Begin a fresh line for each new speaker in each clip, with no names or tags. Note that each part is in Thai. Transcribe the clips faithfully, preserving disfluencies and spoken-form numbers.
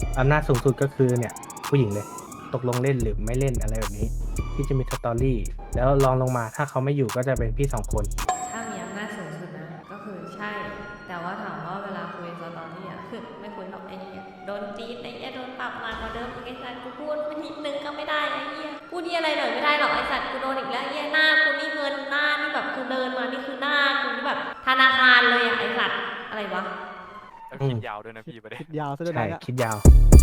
อำนาจสูงสุดก็คือเนี่ยผู้หญิงเลยตกลงเล่นหรือไม่เล่นอะไรแบบนี้ที่จะมีสตอรี่แล้วลองลงมาถ้าเขาไม่อยู่ก็จะเป็นพี่สองคน
ถ้ามีอำนาจสูงสุดนะก็คือใช่แต่ว่าถามว่าเวลาคุยสตอรี่อ่ะคือไม่คุยหรอกไอ้เนี่ยโดนจีนไอ้เนี่ยโดนปรับมากกว่าเดิมไอ้สัตว์กูพูดไม่นิดนึงก็ไม่ได้ไอ้เนี่ยพูดที่อะไรหน่อยไม่ได้หรอกไอ้สัตว์กูโดนอีกแล้วไอ้เนี่ยหน้ากูนี่เงินหน้านี่แบบคือเดินมานี่คือหน้ากูนี่แบบธนาคารเลยอ่ะไอ้สัตว์อะไรวะ
แล้วคิดยาวด้วยนะพี่ประเด็น
คิดยาวซะด้วย
ใช่
นะ
คิดยาว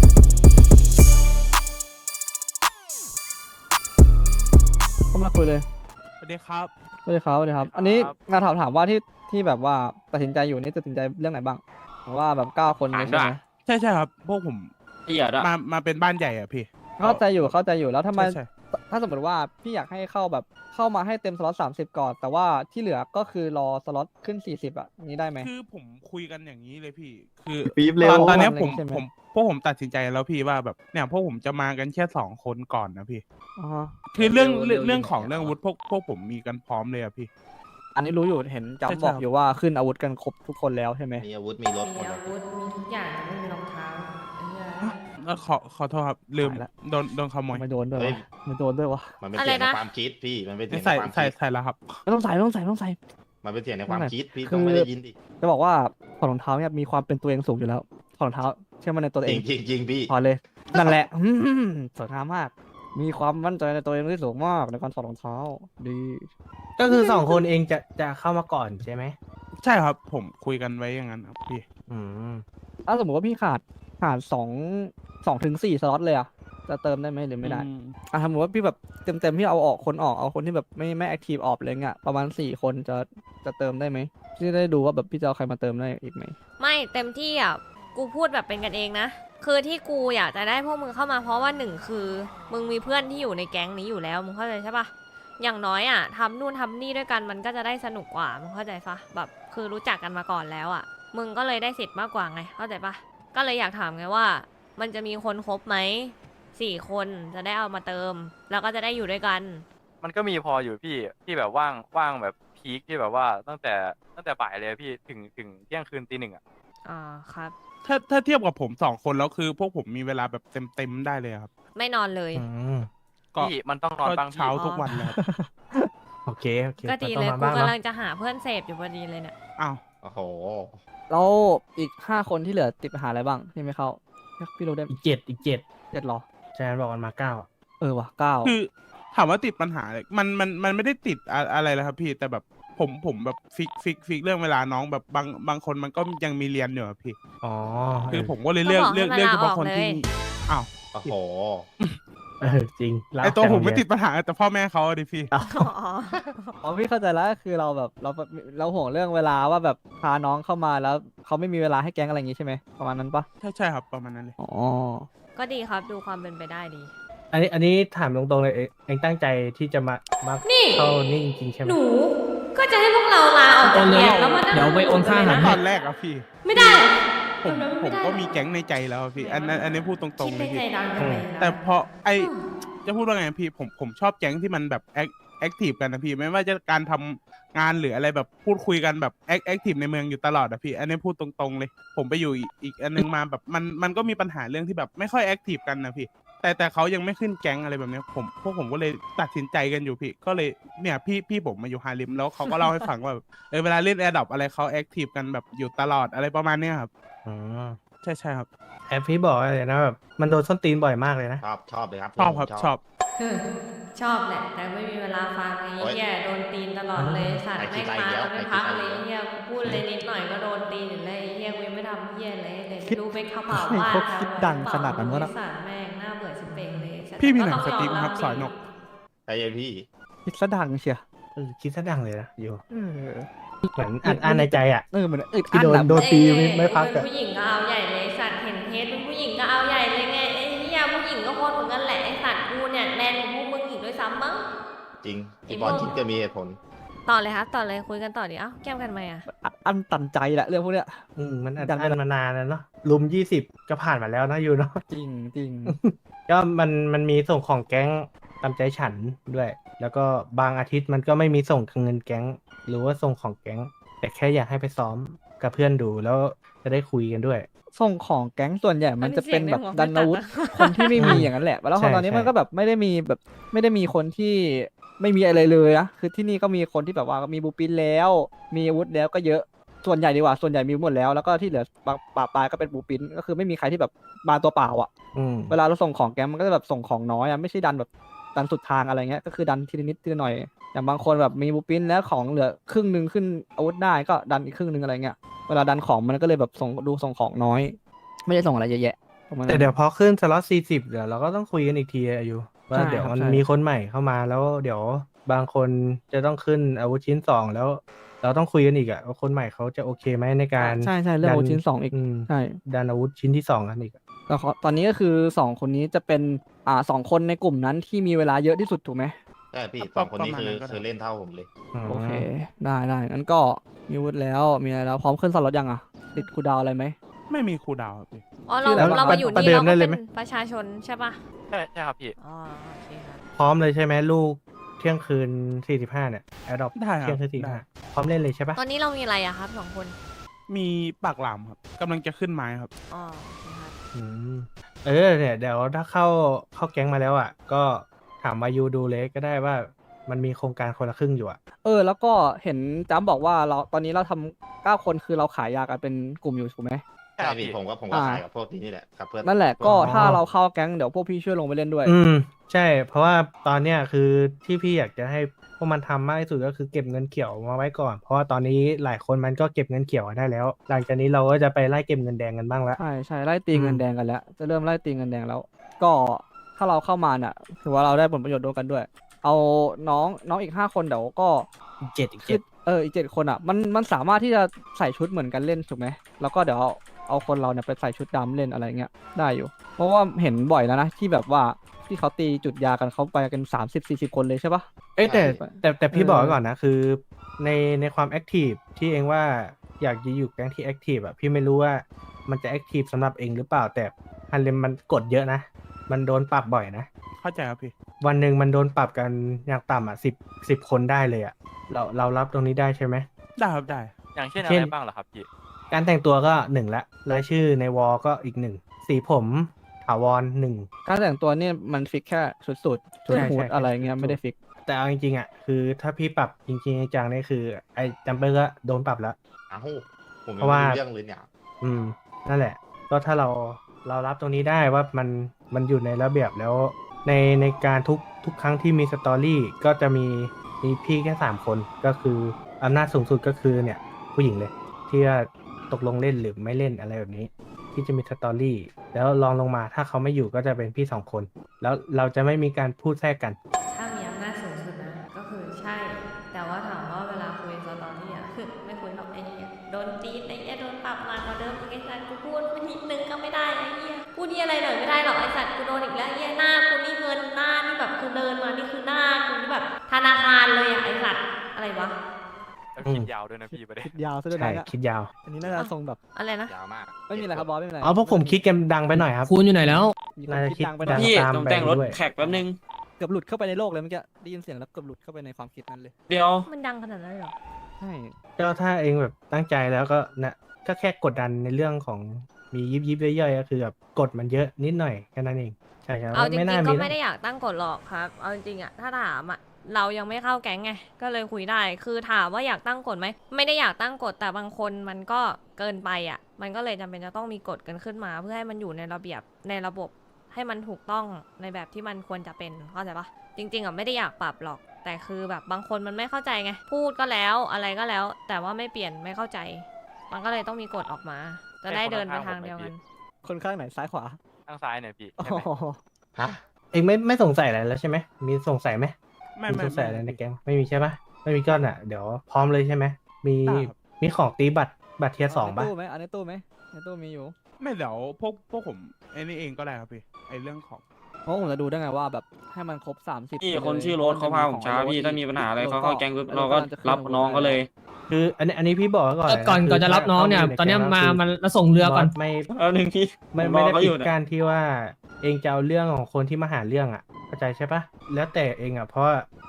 เข้ามาคุยเลย
สวัสดีครับ
สวัสดีครับสวัสดีครับ
ครับ
อันนี้งานถามถามว่าที่ที่แบบว่าตัดสินใจอยู่นี่ตัดสินใจเรื่องไหนบ้างผมว่าแบบเก้าคนนี้ใช่ไหม
ใช่ใช่ครับ พวกผม
เหี้ยด้วย
มามาเป็นบ้านใหญ่อะพี่
เข้าใจอยู่เข้าใจอยู่แล้วทำไม
ใช่ใช่
ถ้าสมมติว่าพี่อยากให้เข้าแบบเข้ามาให้เต็มสล็อตสามสิบก่อน แต่ว่าที่เหลือก็คือรอสล็อตขึ้นสี่สิบอ่ะอย่างนี้ได้ไหม
คือผมคุยกันอย่างนี้เลยพี่ คือ
ปี๊บเร็ว
ตอนตอนเนี้ยผม
ใช่ไหม
ผมพวกผมตัดสินใจแล้วพี่ว่าแบบเนี่ยพวกผมจะมากันแค่สองคนก่อนนะพี่
อ๋อ
คือเรื่องเรื่องเรื่องของเรื่องอาวุธพวกพวกผมมีกันพร้อมเลยอะพี่
อันนี้รู้อยู่เห็น
ใช่
จำบอก
ใช่
อยู่ว่าขึ้นอาวุธกันครบทุกคนแล้วใช่ไหม
มีอาวุธมีรถหม
มี
ดเล
อายวุธมีทุกอย่างแต่ไม่มีรองเท้าไอ้เหี้ย
แล้วขอขอโทษครับลืม
หายละ
โดนโดนขโมย
ไม่โดนด้วย
เฮ้
วะ
ย
ไม่โดนด้วยวะ
มันเป็น
อะไร
เสียงใน
นะ
ความคิดพี่ มันเป็นเสียงใน
ใส่
ความ
ใส่
คิด
ใส่แล้วครับ
ไม่ต้องใส่ไม่ต้องใส่ไม่ต้องใส่
มันเป็นเสียงในความคิดพี่
คือ
ต้องไม่ได้ยินดิ
จะบอกว่าถอดรองเท้าเนี่ยมีความเป็นตัวเองสูงอยู่แล้วถอดรองเท้าเชื่อมั่นในตัว
จ
เอ
ริ
ง
งจริงจริงพี่
ถอดเลย นั่นแหละ อืมสวยงามมาก มีความมั่นใจในตัวเองที่สูงมากในการถอดรองเท้า ดี
ก็คือสองคนเองจะจะเข้ามาก่อนใช่ไหม
ใช่ครับ ผมคุยกันไว้อย่างนั้นครับพี่
อืม
ถ้าสมมติว่าพี่ขาดขาดสองสองถึงสี่สล็อตเลยอะจะเติมได้ไหมหรือไม่ได้
อืม
อ่ะสมมติว่าพี่แบบเต็มเต็มๆพี่เอาออกคนออกเอาคนที่แบบไม่ไม่แอคทีฟออกเลยเงี้ยประมาณสี่คนจะจะเติมได้ไหมพี่จะได้ดูว่าแบบพี่จะเอาใครมาเติมได้อีกไหม
ไม่เต็มที่อ่ะกูพูดแบบเป็นกันเองนะคือที่กูอยากจะได้พวกมึงเข้ามาเพราะว่าหนึ่งคือมึงมีเพื่อนที่อยู่ในแก๊งนี้อยู่แล้วมึงเข้าใจใช่ปะอย่างน้อยอ่ะทำนู่นทำนี่ด้วยกันมันก็จะได้สนุกกว่ามึงเข้าใจปะแบบคือรู้จักกันมาก่อนแล้วอ่ะมึงก็เลยได้สิทธิ์มากกว่าไงเข้าใจปะก็เลยอยากถามไงว่า มันจะมีคนครบไหมสี่คนจะได้เอามาเติม แล้วก็จะได้อยู่ด้วยกัน
มันก็มีพออยู่พี่ที่แบบว่างว่างแบบพีคที่แบบว่าตั้งแต่ตั้งแต่บ่ายเลยพี่ถึงถึงเที่ยงคืนตีหนึ่งอ่ะ
อ่าครับ
ถ้าถ้าเทียบกับผมสองคนแล้วคือ พวกผมมีเวลาแบบเต็มเต็มๆได้เลยครับ
ไม่นอนเลย
อืม
ก็
พี่มันต้องนอน
ก็
บ้างพี่
เช้าทุกวันเลยครับ
โอเคโอเค
ก็ดี
ต้
เล
อง
ย
มา
กู
บ้าง
กำลั
เนาะ
งจะหาเพื่อนเสพอยู่พอดีเลยเนี่ย
อ้าว
โอ้โห
แล้วอีกห้าคนที่เหลือติดปัญหาอะไรบ้างที่ไม่เข้าพี่รู้ได้
อีกเจ็ดอีกเจ็ด
เจ็ดเหรอ
ใช่ไหมบอกมันมาเก้าอะ
เออว่ะเก้า
คือถามว่าติดปัญหาอะไรมันมันมันไม่ได้ติดอะอะไรเลยครับพี่แต่แบบผมผมแบบฟิกฟิกฟิกเรื่องเวลาน้องแบบบางบางคนมันก็ยังมีเรียนอยู่อะพี่
อ๋อ
คือผมก็เลยเลือก
ก็บอกให้
เลือก
มัน
เลือก
ลา
เฉพาะ
ออก
คนที่
เลย
อ้าว
โอ้โห
เออจริงลา
ไอตัว
จาก
ผมไม่
โรงเรียน
ติดปัญหาแต่พ่อแม่เขาอะดิพี่
อ๋อ
อ๋อพี่เข้าใจแล้วคือเราแบบเราเราห่วงเรื่องเวลาว่าแบบพาน้องเข้ามาแล้วเขาไม่มีเวลาให้แก๊งอะไรอย่างงี้ใช่ไหมประมาณนั้นปะ
ใช่ใช่ครับประมาณนั้นเลย
อ๋อ
ก็ดีครับดูความเป็นไปได้ดี
อันนี้อันนี้ถามตรงๆเลยเองเองตั้งใจที่จะมามา
นี่
เข้านี่จริงๆใช่ไหม
หนู ก็จะให้พวกเราลาออกจากแก๊งแล้วมานั่ง
เดี๋ยวไปโอนค่าอาหาร
ตอนแรกอะพี่
ไม่ได้
ผม
เออ
ผ
ไม่
ม
ได้
ก็มีแก๊งในใจแล้วอะพี่อันนั้นอันนี้พูดตรง
คิด
ๆเล
ใน
ย
ใจ
พี่
ดังทำไมนะ
แต่พอไอ
อืม
จะพูดว่าไงพี่ผมผมชอบแก๊งที่มันแบบแอคแอคทีฟกันนะพี่ไม่ว่าจะการทำงานหรืออะไรแบบพูดคุยกันแบบแอคแอคทีฟในเมืองอยู่ตลอดอะพี่ อันนี้พูดตรงๆเลย ผมไปอยู่อีกอีกอันนึงมาแบบมันมันก็มีปัญหาเรื่องที่แบบไม่ค่อยแอคทีฟกันนะพี่ แต่แต่เขายังไม่ขึ้นแก๊งอะไรแบบเนี้ยผมพวกผมก็เลยตัดสินใจกันอยู่พี่ ก็เลยเนี่ยพี่พี่ผมมาอยู่ฮาริมแล้วเขาก็เล่าให้ฟังว่าแบบเออเวลาเล่นแอร์ดรอปอะไรเขาแอคทีฟกันแบบอยู่ตลอดอะไรประมาณเนี้ยครับ
อืม
ใช่ใช่ครับ
แอปพี่บอกเลยนะแบบมันโดนส้นตีนบ่อยมากเลยนะ
ชอบชอบเลยครับ
ชอบครับชอบ
เออชอบแหละ แต่ไม่มีเวลาฟังไอ้
โอ๊ย
เหี้ยโดนตีนตลอดเลยสัตว์
ไอ้คิ
แม่
ด
ง
ไร
มา
เดียว
แล้วไม่พัก
ไอ้
เลย
คิดไร
ไอ้เหี้ยกูพูดเลยนิดหน่อยก็โดนตีนอยู่เลยไอ้เหี้ยกูยังไม่ทำเหี้ยเลยเลย
คิด
รู้ไปเขาเผา
ให้
ว่า
เขาคิดดังขนาดนั้นวะ
ไอ้
นะ
สัตว์แม่งน่าเบื่อชิบเป่งเลยสัตว์
พี่มีหนัง
ก็
ส
ต้อง
ติ๊กไหมครับ
ยม
สอยนก
ใจเย็นพี่
คิดซะดังเชีย
เออคิดซะดังเลยนะอยู่
เออ
เหมือนอัดอั้นในใจอ่ะ
เออเหมือนอึด
ที่
อั้น
โดน
อะ
โดน ตีไม่ไม่พัก
เป็
อะ
นผู้หญิงก็เอาใหญ่เลยสัตว์เห็นเทสเป็นผู้หญิงก็เอาใหญ่เลยไงไอ้เหี้ยผู้หญิงก็โคตรเหมือนกันแหละไอ้สัตว์กูเนี่ยแมนกว่าพวกมึงอีกด้วยซ้ำมั้ง
จริงพี่บอลคิดจะมีเหตุผล
ต่อเลยครับต่อเลยคุยกันต่อดิเอ้าแก้มกันไหมอ่ะ
อัดอั้นตันใจแหละเรื่องพวกเนี้ย
อืมมันอัด
ดัง
อั้นมานานแล้วเนาะลุมยี่สิบก็ผ่านมาแล้วนะอยู่เนาะ
จริงจริง
ก็มันมันมีส่งของแก๊งตามใจฉันด้วย แล้วก็บางอาทิตย์มันก็ไม่มีส่งเงินแก๊ง หรือว่าส่งของแก๊ง แต่แค่อยากให้ไปซ้อมกับเพื่อนดูแล้วจะได้คุยกันด้วย
ส่งของแก๊งส่วนใหญ่มันจะเป็นแบบ
อั
ดั
น
น
นี้
อาวุธ
เสียงในหัว
คนที่ไม่มี
อืม
อย่างนั้นแหละแล้วพ
ใช่
อตอนนี้
ใช่
มันก็แบบไม่ได้มีแบบไม่ได้มีคนที่ไม่มีอะไรเลยนะคือที่นี่ก็มีคนที่แบบว่ามีบูปินแล้ว มีอาวุธแล้วก็เยอะส่วนใหญ่ดีกว่าส่วนใหญ่มีหมดแล้วแล้วก็ที่เหลือปะปะปลายก็เป็นบูปินก็คือไม่มีใครที่แบบมาตัวเปล่าอ่ะ
อืม
เวลาเราส่งของแก๊งมันก็จะแบบส่งของน้อยอ่ะไม่ใช่ดันแบบดันสุดทางอะไรเงี้ยก็คือดันทีละนิดทีละหน่อยอย่างบางคนแบบมีบูปินแล้วของเหลือครึ่งหนึ่งขึ้นอาวุธได้ก็ดันอีกครึ่งหนึ่งอะไรเงี้ยเวลาดันของมันก็เลยแบบส่งดูส่งของน้อย ไม่ได้ส่งอะไรเยอะแยะประมาณนั้น
แต่เดี๋ยวพอขึ้นสล็อตสี่สิบเดี๋ยวเราก็ต้องคุยกันอีกทีอายุว่า
ใช่
เดี๋ยว
ครับ
มัน
ใช่
มีคนใหม่เข้ามาแล้วเดี๋ยวบางคนจะต้องขึ้นอาวุธชิ้นสองแล้ว เราต้องคุยกันอีกอะว่าคนใหม่เขาจะโอเคไหมในการ
ใช่ใช่เรื่องอาวุธชิ้นสองอีก
ม
ใช่
ดันอาวุธชิ้นที่สองกันอีกอะ
แต่ขอตอนนี้ก็คือสองคนนี้จะเป็นอ่าสองคนในกลุ่มนั้นที่มีเวลาเยอะที่สุดถูกไหม
ใช่พี่
ป
ส
ระ
องคนนี้
ประมาณ
คือ
นั้นก็ได้
คือเล่นเท่าผมเลย
โอเค ได้ได้งั้นก็มีอาวุธแล้วมีอะไรแล้วพร้อมขึ้นสล็อตยังอ่ะติดคูลดาวน์อะไรไหม
ไม่มีครูดาวครับพี่
อ๋อเรา
ชื่ออะไร
เรา
วะ
มาอยู่
ประ
นี่
เดิ
เรา
ม
ก็
ได้เล
เป็
ย
น
ไหม
ประชาชนใช่ปะ
ใช่ใช่ครับพี่
อ๋อโอเคครับ
พร้อมเลยใช่ไหมลูกเที่ยงคืนสี่สิบห้าเนี่ยแอดดอป
ได้ครับ
เที่ยงคืนสี่
ได้
ห้าพร้อมเล่นเลยใช่ปะ
ตอนนี้เรามีอะไรอะครับสองคน
มีปากหลามครับกำลังจะขึ้นไม้ครับ
อ๋อโอเคครับ
อืมเออเนี่ยเดี๋ยวถ้าเข้าเข้าแก๊งมาแล้วอ่ะ ก็ถามวายูดูเลยก็ได้ว่ามันมีโครงการคนละครึ่งอยู่อ่ะ
เออแล้วก็เห็นจ้ำบอกว่าเราตอนนี้เราทำเก้าคนคือเราขายยากันเป็นกลุ่มอยู่ถูกไหม
ใช่พี่ผมก็ผมก็
อ่า
ขายกับพวกนี้นี่แหละครับเพื่อน
นั่นแหละก็
อ๋อ
ถ้าเราเข้าแก๊งเดี๋ยวพวกพี่ช่วยลงไปเล่นด้วย
อืมใช่ เพราะว่าตอนเนี้ยคือที่พี่อยากจะให้พวกมันทำมากที่สุดก็คือเก็บเงินเขียวมาไว้ก่อน เพราะว่าตอนนี้หลายคนมันก็เก็บเงินเขียวได้แล้ว หลังจากนี้เราก็จะไปไล่เก็บเงินแดงกันบ้างละ
ใช่ใช่ไล่ตี
อืม
เงินแดงกันแล้ว จะเริ่มไล่ตีเงินแดงแล้ว ก็ถ้าเราเข้ามาเนี่ยถือว่าเราได้ผลประโยชน์ร่วมกันด้วย เอาน้องน้องอีกห้าคนเดี๋ยวก็
อีกเจ็ดอีก
คื
เจ็
อ
ด
เอออีกเจ็ดคนอ่ะมันมันสามารถที่จะใส่ชุดเหมือนกันเล่นถูกไหมแล้วก็เดี๋ยวเอาเอาคนเราเนี่ยไปใส่ชุดดำเล่นอะไรเงี้ยได้อยู่ เพราะว่าเห็นบ่อยแล้วนะที่แบบว่าที่เขาตีจุดยากันเขาไปกันสามสิบสี่สิบคนเลยใช่ปะ
เอ้ยแต่
ใช่
แต่แต่พี่
เออ
บอกไว้ก่อนนะคือในในความแอคทีฟที่เองว่าอยากจะอยู่แก๊งที่แอคทีฟอ่ะพี่ไม่รู้ว่ามันจะแอคทีฟสำหรับเองหรือเปล่าแต่ฮันเลมมันกดเยอะนะ มันโดนปรับบ่อยนะ
เข้าใจครับพี่
วันหนึ่งมันโดนปรับกันอย่างต่ำอ่ะสิบสิบคนได้เลยอ่ะเราเรารับตรงนี้ได้ใช่ไหม
ได้ครับได้
อย่างเช่น
เช่
อะ
น
ไรบ้างเหรอครับพี่
การแต่งตัวก็หนึ่งละรายชื่อในวอลก็อีกหนึ่งสีผมถาวรหนึ่ง
การแต่งตัวเนี่ยมันฟิกแค่ชุดสูทชุด
ใช่
ฮูด
ใช่
อะไรเงี้ย
ชุด
ไม่ได้ฟิก
แต่เอาจริงๆอ่ะคือถ้าพี่ปรับจริงๆจังๆนี่คือไอ้จัมเปอร์ก็โดนปรับแล้ว
อ้าวผม
เพ
ยัง
ราะ
ไม่
ว่า
รู้เรื่องเลยเนี่ย
อืมนั่นแหละ ก็ถ้าเราเรารับตรงนี้ได้ว่ามันมันอยู่ในระเบียบแล้ว ในในการทุกทุกครั้งที่มีสตอรี่ก็จะมีมีพี่แค่สามคนก็คืออำนาจสูงสุดก็คือเนี่ยผู้หญิงเลย ที่ว่าตกลงเล่นหรือไม่เล่นอะไรแบบนี้ ที่จะมีสตอรี่แล้วลองลงมาถ้าเขาไม่อยู่ก็จะเป็นพี่สองคน แล้วเราจะไม่มีการพูดแทรกกัน
ถ้ามีอำนาจสูงสุดนะก็คือใช่ แต่ว่าถามว่าเวลาคุยสตอรี่อะ ไม่คุยหรอกไอ้เหี้ยโดนตีนไอ้เหี้ยโดนปรับมากกว่าเดิมอีกไอ้สัตว์กูพูดไม่นิดนึงก็ไม่ได้ไอ้เหี้ยพูดที่อะไรหน่อยไม่ได้หรอกไอ้สัตว์กูโดนอีกแล้วไอ้เหี้ยหน้ากูนี่เงินหน้านี่แบบคือเดินมานี่คือหน้ากูนี่แบบธนาคารเลยอะไอ้สัตว์อะไรวะ
แล้ว
อืม
คิดยาวด้วยนะพี่ประเด็น
คิดยาวซะด้วย
ใช่
นะเนี่ย
คิดยาว
อันนี้น่าจะทรงแบบ
อะไรนะ
ยาวมาก
ไม่มีอะไรครับบอสไม่มีอะไร
อ๋อพวกผมคิดกันดังไปหน่อยครับ
คุณอยู่ไหนแล้ว
มีคน
น่าจะ
คิด
คิด
ดังไปหน่อย
ดัง
พี่
ตาม
ผม
ไป
แต่งรถ
ด้วย
แขกแป๊บนึง
เกือบหลุดเข้าไปในโลกเลยเมื่อกี้ได้ยินเสียงแล้วเกือบหลุดเข้าไปในความคิดนั้นเลย
เดี๋ยว
มันดังขนาดนั้นเลยเหรอ
ใช่
ก็ถ้าเองแบบตั้งใจแล้วก็นะก็แค่กดดันในเรื่องของมียิบยิบย่อยๆก็คือแบบกดมันเยอะนิดหน่อยแค่นั้นเองใช่ครับ
เอาจริ
ไม่
ง
น่า
ๆ
มี
ก็
หร
ไม่
อก
ได้อยากตั้งกฎหรอกครับ เอาจริงๆอะถ้าถามอะเรายังไม่เข้าแก๊งไง ก็เลยคุยได้ คือถามว่าอยากตั้งกฎไหม ไม่ได้อยากตั้งกฎ แต่บางคนมันก็เกินไปอะมันก็เลยจำเป็นจะต้องมีกฎกันขึ้นมา เพื่อให้มันอยู่ในระเบียบในระบบให้มันถูกต้องในแบบที่มันควรจะเป็น เข้าใจปะจริงๆอะไม่ได้อยากปรับหรอก แต่คือแบบบางคนมันไม่เข้าใจไง พูดก็แล้วอะไรก็แล้ว แต่ว่าไม่เปลี่ยนไม่เข้าใจ มันก็เลยต้องมีกฎออกมา จะได้เดินไปทางเดียวกัน
คนข้างไหนซ้ายขวา
ข้างซ้ายหน่อยพี่
อ๋
ใช่ไหม
อ
ฮะ
เองไม่ไม่สงสัยอะไรแล้วใช่ไหมมีสงสัยไหม
ไม่
มี
ไม่
สงสัยอะไร
ไม่
ในแก๊งไม่มีใช่ปะไม่มีก็น่ะเดี๋ยวพร้อมเลยใช่ไหมมี
ได้ครับ
มีของตีบัตรบัตรเทียร์สอง
ใน
ปะ
ตู้ไหมอันในตู้ไหมในตู้มีอยู่
ไม่เดี๋ยวพวกพวกผมไอ้นี่เองก็ได้ครับพี่ไอ้เรื่องของ
เพราะผมจะดูได้ไงว่าแบบให้มันครบสามสิบ
พี่คนชื่อโรสเขาพาผมช้าพี่ถ้ามีปัญหาอะไรเขาเข้าแก๊งปุ๊บเราก็รับน้องเขาเลย
คืออันนี้อันนี้พี่บอกไว้ก่อนเลย
ก่อน
คื
ก่อนจะรับน้องเนี่ย
ถ้า
ตอนเนี้ย
ข้
มา
ใแก๊ง
มันเราส่งเรือก่อน
บสไม่
แป๊บนึงพี่
ไม่
ผมร
ไม่
อ
ได้
เขา
ปิ
อยู่
ด
เนี่ย
การที่ว่าเองจะเอาเรื่องของคนที่มาหาเรื่องอ่ะเข้าใจใช่ปะแล้วแต่เองอ่ะเพราะว่า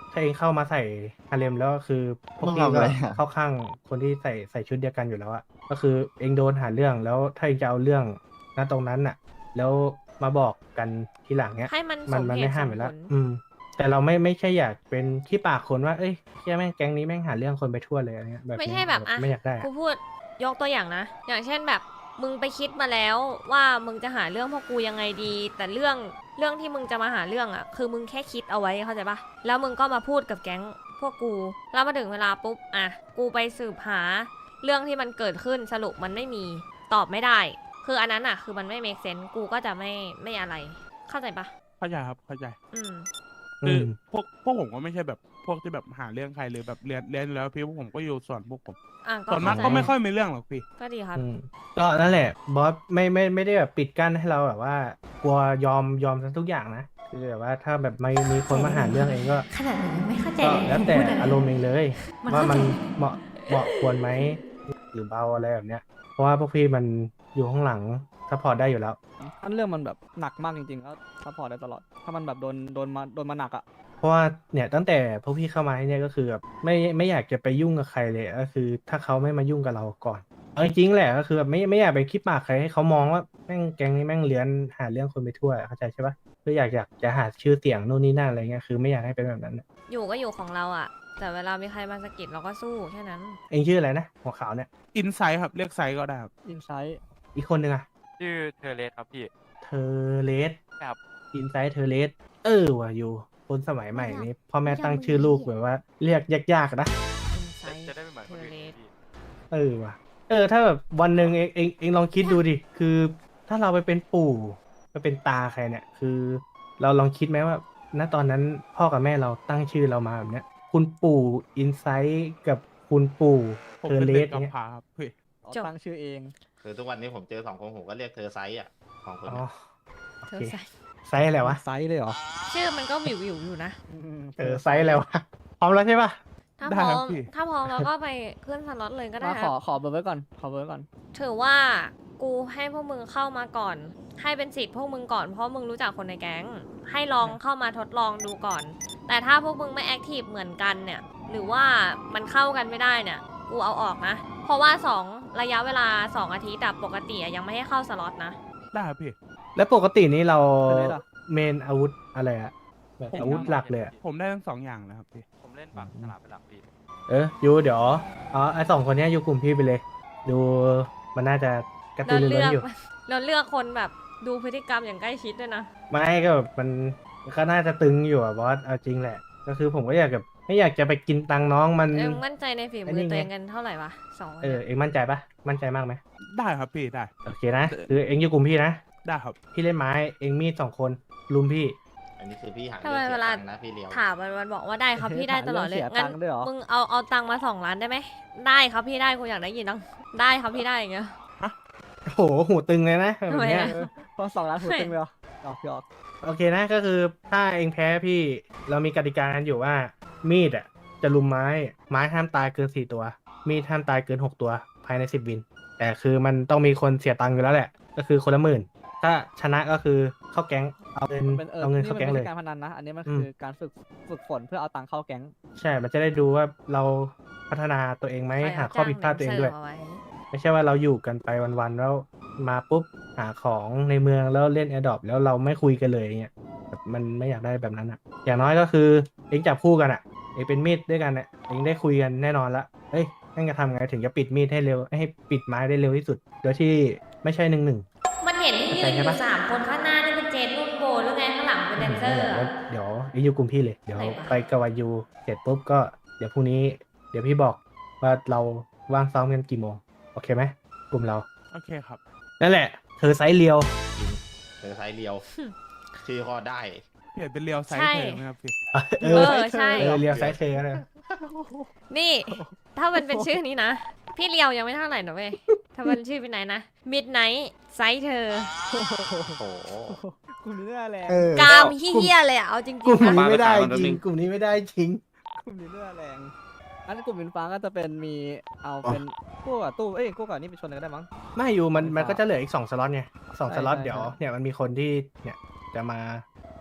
ถ้าเองเข้ามาใส่ฮาเลมแล้วก็คือพวก
มึง
พี่
ทำ
ก็
อะไรอะ
เข้าข้างคนที่ใส่ใส่ชุดเดียวกันอยู่แล้วอะก็คือเองโดนหาเรื่องแล้วถ้าเองจะเอาเรื่องณตรงนั้นน่ะ แล้วมาบอกกันทีหลังเนี้ย
ให้มันส
มัน
ม
มัน
เห
ไม่
ตุส
ห้าม
ม
อยู่
ผ
แล้ว
ล
อืม แต่เราไม่ไม่ใช่อยากเป็นขี้ปากคนว่าเอ้ยเชี่ยแม่งแก๊งนี้แม่งหาเรื่องคนไปทั่วเลยอะไรเงี้ยแบบ
ไม่
นี้
ใช่แบบอ่ะ
ไม่อยากได้อะ
กูพูดยกตัวอย่างนะ อย่างเช่นแบบมึงไปคิดมาแล้วว่ามึงจะหาเรื่องพวกกูยังไงดี แต่เรื่องเรื่องที่มึงจะมาหาเรื่องอ่ะ คือมึงแค่คิดเอาไว้เข้าใจปะแล้วมึงก็มาพูดกับแก๊งพวกกูแล้วมาถึงเวลาปุ๊บอ่ะกูไปสืบหาเรื่องที่มันเกิดขึ้นสรุปมันไม่มีตอบไม่ได้ คืออันนั้นอ่ะคือมันไม่ make sense กูก็จะไม่ไม่อะไร เข้าใจปะ
เข้าใจครับเข้าใจ
อืม
คือ
ม
พวกพวกผมก็ไม่ใช่แบบพวกที่แบบหาเรื่องใครหรือแบบเรียนเรียนแล้วพี่พวกผมก็อยู่ส่วนพวกผม
อ่ะก็
ส่วนมาก
เข้าใจ
ก็ไม่ค่อยมีเรื่องหรอกพี่
ก็ดีครับ
อืมก็นั่นแหละบอสไม่ไม่ไม่ได้แบบปิดกั้นให้เราแบบว่ากลัวยอมยอมทุกอย่างนะคือแบบว่าถ้าแบบไม่มีคนมาหาเรื่องเองก็
ขนาดหนูยังไม่เข้าใจ
ก็
เลย
แล้วแต่อารมณ์เองเลย
มัน
ว่า
เข้าใจ
มันเหมาะเหมาะควรไหมหรือเบาอะไรแบบเนี้ย เพราะว่าพวกพี่มันอยู่ข้างหลังถ้าพอได้อยู่แล้ว
ถ้าเรื่องมันแบบหนักมากจริงๆก็ซัพพอร์ตได้ตลอด ถ้ามันแบบโดนโดนมาโดนมาหนักอ่ะ
เพราะว่าเนี่ยตั้งแต่พวกพี่เข้ามาที่เนี่ยก็คือแบบไม่ไม่อยากจะไปยุ่งกับใครเลยก็คือ ถ้าเขาไม่มายุ่งกับเราก่อนเอาจริงๆแหละก็คือแบบไม่ไม่อยากไปคิดปากใครให้เขามองว่าแม่งแก๊งนี้แม่งเลื้อนหาเรื่องคนไปทั่วเข้าใจใช่ปะคืออยากอยากจะหาชื่อเสียงนู่นนี่นั่นอะไรเงี้ยคือไม่อยากให้เป็นแบบนั้นน่ะ
อยู่ก็อยู่ของเราอ่ะ แต่เวลามีใครมาสะกิดเราก็สู้แค่นั้น
เองชื่ออะไรนะหัวขาวเนี่ย
อินไซด์ครับเรียกไซด์ก็ได้ครับ
อินไซต์
อีกคนหนึ่งอะ
ชื่อเทเลสครับพี่
เทเลส
ครับ
อินไซต์เทเลสเออว่ะอยู่คนสมัยใหม่นี้พ่อแม่ตั้งชื่อลูกแบบว่าเรียกยากๆนะ
Insight
จะได้ไม่เหมือนคนอื่น
Toilet
พี่
เออว่ะ เออ ถ้าแบบวันหนึ่งเองเองเองลองคิดดูดิ คือถ้าเราไปเป็นปู่ไปเป็นตาใครเนี่ย คือ เราลองคิดไหมว่า ณ ตอนนั้นพ่อกับแม่เราตั้งชื่อเรามาแบบเนี้ย คุณปู่อินไซต์กับคุณปู่
ผม
เทอ
เป็น
เล
เด็
ส
กกำ
เนี่ย
พร้าครับพี่
เอา
จบ
ตั้งชื่อเอง
คือทุกวันนี้ผมเจอสองคนผมก็เรียกเธอไซส์อ่ะสองคน
อ๋อ
เนี่ย
โอ
เธ
เค
อใส่
ไซส์อะไรวะ
ไซส์เลยเหรอ
ชื่อมันก็วิววิวๆอยู่นะ
ม
เออ ไซส์อะไรวะ พร้อมแล้วใช่ปะ
ถ้า
ได้
พร้อ
ครับ
ม
พี่
ถ้าพร้อมเราก็ไปขึ้นสล็อตเลยก็ได้
มา
ค
ข
รั
อบ ขอเบอร์ไว้ก่อน ขอเบอร์ไว้ก่อน
ถือว่ากูให้พวกมึงเข้ามาก่อน ให้เป็นสิทธิ์พวกมึงก่อนเพราะมึงรู้จักคนในแก๊ง ให้ลองเข้ามาทดลองดูก่อน แต่ถ้าพวกมึงไม่แอคทีฟเหมือนกันเนี่ย หรือว่ามันเข้ากันไม่ได้เนี่ย กูเอาออกนะ เพราะว่าสองระยะเวลาสองอาทิตย์อะปกติอะยังไม่ให้เข้าสล็อตนะ
ได้ครับพี่
แล้วปกตินี้เรา
เทอเลสอะ
เมนอาวุธอะไรอะแบบอาวุธหลักเลยอะ
ผมได้ทั้งสองอย่างนะครับพี่
ผมเล่นฝั่งสนามเป็นหลักพี่
เออยูเดี๋ยวอ๋อไอสองคนเนี้ยอยู่กลุ่มพี่ไปเลย ดูมันน่าจะกระตื
เรา
อรือ
เลื
ร้
อน ก
อยู่
เราเลือกคนแบบดูพฤติกรรมอย่างใกล้ชิดด้วยนะ
ไม่ก็แบบมันก็น่าจะตึงอยู่อะบอสเอาจริงแหละ ก็คือผมก็อยากแบบไม่อยากจะไปกินตังค์น้องมัน
เอ็งมั่นใจในฝี
อัน
มื
นี้
อ
ไง
ตัวเองกันเท่าไหร่วะสองคน
เออ
เนี่ย
เอ็งมั่นใจปะมั่นใจมากไหม
ได้ครับพี่ได้
โอเคนะคือเอ็งอยู่กลุ่มพี่นะ
ได้ครับ
พี่เล่นไม้เอ็งมีดสองคนลุมพี่
อันนี้คือพี่หา
ทำไม
เรื่อง
เว
เสีย
ลา
ตังค์นะพี่เลียว
ถามมันมันบอกว่าได้ครับพี่ได้ตลอดเลย
เสีย
งั้
ตั
น
งค์ด้วยเหรอ
มึงเอาเอาตังค์มาสองล้านได้ไหมได้ครับพี่ได้กูอยากได้ยินตังได้ครับพี่ได้อย่างเงี้ย
โอ้โหหูตึงเลยนะแบบ
ทำไม
เนี้ย
อะ
เออพอสองล้านหูตึงเลยเหรอหยอกหยอก
โอเคนะก็คือถ้าเองแพ้พี่เรามีกติกากันอยู่ว่า มีดอ่ะจะลุมไม้ไม้ห้ามตายเกินสี่ตัว มีดห้ามตายเกินหกตัวภายในสิบวิน แต่คือมันต้องมีคนเสียตังค์อยู่แล้วแหละ ก็คือคนละหมื่น ถ้าชนะก็คือเข้าแก๊งเอาเงิน
มันเป็นเออ
เอาเงิน
นี่
เข้า
มัน
แก๊ง
ไม่
เลย
ใช่การพนันนะ อันนี้มัน
อืม
คือการฝึกฝึกฝนเพื่อเอาตังค์เข้าแก๊ง
ใช่ มันจะได้ดูว่าเราพัฒนาตัวเองไหม
ใคร
หา
เา
ข้อผิดพลาดตัวเองด้วย
จ้าหนัสิร์ฟาไ
ไม่ใช่ว่าเราอยู่กันไปวันๆแล้วมาปุ๊บหาของในเมืองแล้วเล่นแอร์ดรอปแล้วเราไม่คุยกันเลยอย่างเงี้ยแบบมันไม่อยากได้แบบนั้นอ่ะ อย่างน้อยก็คือเองจับคู่กันอ่ะเองเป็นมีดด้วยกันอ่ะเองได้คุยกันแน่นอนละเอ้ยนั่นจะทำไงถึงจะปิดมีดให้เร็วให้ปิดไม้ได้เร็วที่สุด โดยที่ไม่ใช่หนึ่งหนึ่ง
มันเห็นที่ยืนอยู่สามคนข้างหน้านี่เป็นเจนรุ่นโบหรือไงข้างหลังเป็นแดนเซอร์อะ
เดี๋ยวเองอยู่กลุ่มพี่เลยเดี๋ยว
ไหนวะ
ไปกบวายูเสร็จปุ๊บก็เดี๋ยวพรุ่งนี้ เดี๋ยวพี่บอกว่าเราว่างซ้อมกันกี่โมงโอเคไหมกลุ่มเรา
โอเคครับ
นั่นแหละเธอไซส์เรียว
เธอไซส์เลียว ชื่อก็ได้
เปลี่ยนเป็นเรียวไซส์
ใช่
เธอไหมครับพี่
เอ
เอ
อ
อใช่
เออเรียวไซส์เธอก็ได้
นี่ ถ้ามันเป็นชื่อนี้นะ พี่เลียวยังไม่เท่าไหร่นะเว้ย ถ้ามันชื่อเป็นไหนนะ Midnight ไซส์เธอ
โอ้โห
กลุ่มนี้น่าแรง
เออก
ามเฮี้ยๆเลยอะเอาจริง
กลุ่ม
ๆนะ
นี้ไม่ได้
เอาไป
จ
ขายมันแป๊บนึ
ริง
ง
กลุ่มนี้ไม่ได้จริง
กลุ่มนี้น่าแรงอันกลุ่มอินฟ้าก็จะเป็นมีเอาเป็นกู้กับตู้ เอ้ยกู้กับนี่ไปชนกันก็ได้มั้ง
ไม่อยู่มัน
ไม่
มันก็
ทราบ
จะเหลืออีกสองสล็อตไงสอง
ใช่
สล็อต
ใช่
เดี๋ยว
ใช่
เนี่ยมันมีคนที่เนี่ยจะมา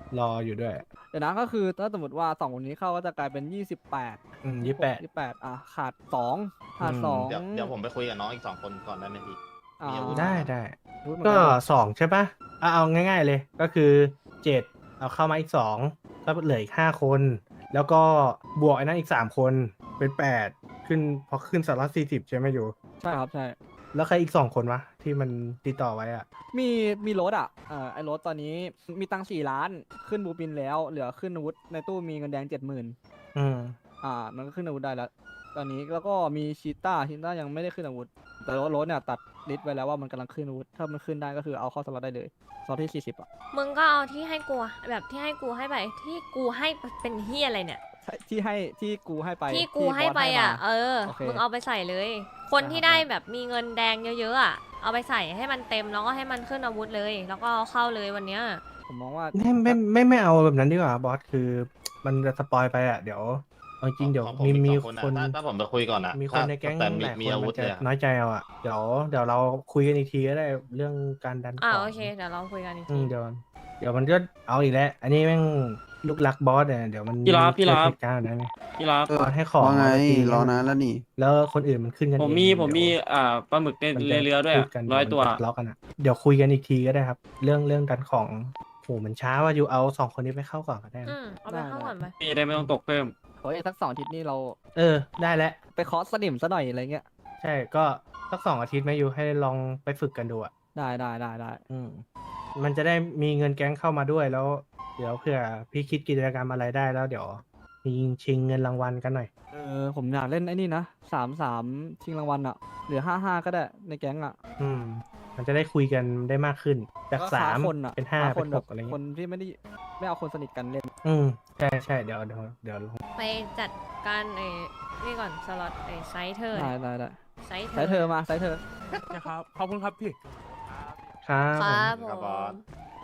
รออยู่ด้วย
เดี๋ยวนะก็คือถ้าสมมติว่าสองคนนี้เข้าก็จะกลายเป็นยี่สิบแปด
อืมยี่แปด
ยี่แปดอ่ะขาดสองขาด
อืม
สอง
เดี๋ยวเดี๋ยวผมไปคุยกับน้องอีกสองคนก่อนได้ไหมพี่
อ่า
มีอาวุธ
ได้ได้
พูดเหมือน
ก็
นเลย
สองใช่ปะเอาเอาง่าย ๆ เลย ก็คือเจ็ดเอาเข้ามาอีกสองก็เหลืออีกห้าคน แล้วก็บวกไอ้นั้นอีกสามคนเป็นแปดขึ้นพอขึ้นสล็อตสี่สิบใช่ไหมอยู่
ใช่ครับใช่
แล้วใครอีกสองคนวะที่มันติดต่อไว้อ่ะ
มีมีรถอ่ะเอ่อไอ้รถตอนนี้มีตังค์สี่ล้านขึ้นบูปินแล้ว เหลือขึ้นอาวุธในตู้มีเงินแดงเจ็ดหมื่น
อืม
อ่ามันก็ขึ้นอาวุธได้แล้ว ตอนนี้แล้วก็มีชีต้าชีต้ายังไม่ได้ขึ้นอาวุธ แต่รถรถเนี่ยตัดลิสต์ไว้แล้วว่ามันกำลังขึ้นอาวุธ ถ้ามันขึ้นได้ก็คือเอาเข้าสล็อตได้เลยสล็อตที่สี่สิบอ่ะ
มึงก็เอาที่ให้กูอะแบบที่ให้กูให้ไปที่กูให้เป็นเฮียอะไรเนี่ย
ใช่ที่ให้ที่กูให้ไป
ที่กูให้
บส
ไปอ่ะ
มา
เออ
โอเค
มึงเอาไปใส่เลย คน
ได้ครับ
ที่ได้
ได้
แบบมีเงินแดงเยอะๆอ่ะ เอาไปใส่ให้มันเต็มแล้วก็ให้มันขึ้นอาวุธเลย แล้วก็เอาเข้าเลยวันเนี้ย
ผมมองว่า
ไม่ไม่ไม่ไม่เอาแบบนั้นดีกว่าบอสคือมันจะสปอยไปอ่ะเดี๋ยวเอาจริงเดี๋ยว
ของผม
มี
อีก
มี
สอง
คน
อะถ้าถ้าผมไปคุยก่อนอะ
มีคน
ถ้า
ในแก๊ง
แต่
ห
มี
ลาย
มี
คน
อาวุ
มั
ธ
นจะ
เลยอะ
น้อยใจเอาอ่ะเดี๋ยวเดี๋ยวเราคุยกันอีกทีก็ได้เรื่องการดัน
อ่า
ของ
โอเคเดี๋ยวเราคุยกันอีก
อื
ที
มเดี๋ยวเดี๋ยวมันก็เอาอีกแล้ว อันนี้แม่งลูกรักบอสเนี่ยเดี๋ยวมัน
พี่รับพี่รับ
เกิดเหตุการณ์แบบนั้นไง
พี่รับ
เออ
บอสให้ของ
ว่าไง
มาตี
รอนานแล้วนี่
แล้วคนอื่นมันขึ้นกัน
ผม
เอง
มี
เดี๋ยว
ผมมีอ่าปลาหมึกใน
มันจะ
เรือด้วย
พู
อะ
ดกัน
ร้อย
เดี๋
ตัว
มันจะทะเลาะกันอ่ะเดี๋ยวคุยกันอีกทีก็ได้ครับ เรื่องเรื่องดันของโหมันช้าว่าอยู่เอาสองคนนี้ไปเข้าก่อนก็ได้นะ
อืมเอาไป
ได้
เข้าก่อนไป
พี่ได้ไม่ต้องตกเพิ่ม
โอ้ยสักสองอาทิตย์นี่เรา
เออได้แล้ว
ไปคอร์สสนิมซะหน่อยอะไรเงี้ย
ใช่ก็สักสองอาทิตย์ไหมอยู่ให้ลองไปฝึกกันดูอ่ะ
ได้ได้ได้ได้
อืมมันจะได้มีเงินแก๊งเข้ามาด้วยแล้ว เดี๋ยวเผื่อพี่คิดกิจกรรมอะไรได้แล้วเดี๋ยวมีชิงเงินรางวัลกันหน่อย
เออผมอยากเล่นไอ้นี่นะสามสามชิงรางวัลอ่ะเหลือห้าห้าก็ได้ในแก๊งอ่ะ
อืม มันจะได้คุยกันได้มากขึ้น จาก
ก็
สาม
คนอ่ะ
เป็นห้า
ค
เป็น น
แบ
ห
บ
กอะไร
ค
เงี้
น
ย
ที่ไม่ได้ไม่เอาคนสนิทกันเล่น
อืมใช่ใช่เดี๋ยวเดี๋ยวเดี๋ยว
ไปจัดการไอ้นี่ก่อนสล็อตไอ้ไซส์เธอ
ได้ได้ได้
ไซส์เธ
ใช้เธอมาใช้เธอ
นะครับขอบคุณครับพี่
ครับ
ครับ
ผม
ผ
ครับบอ
ม
ส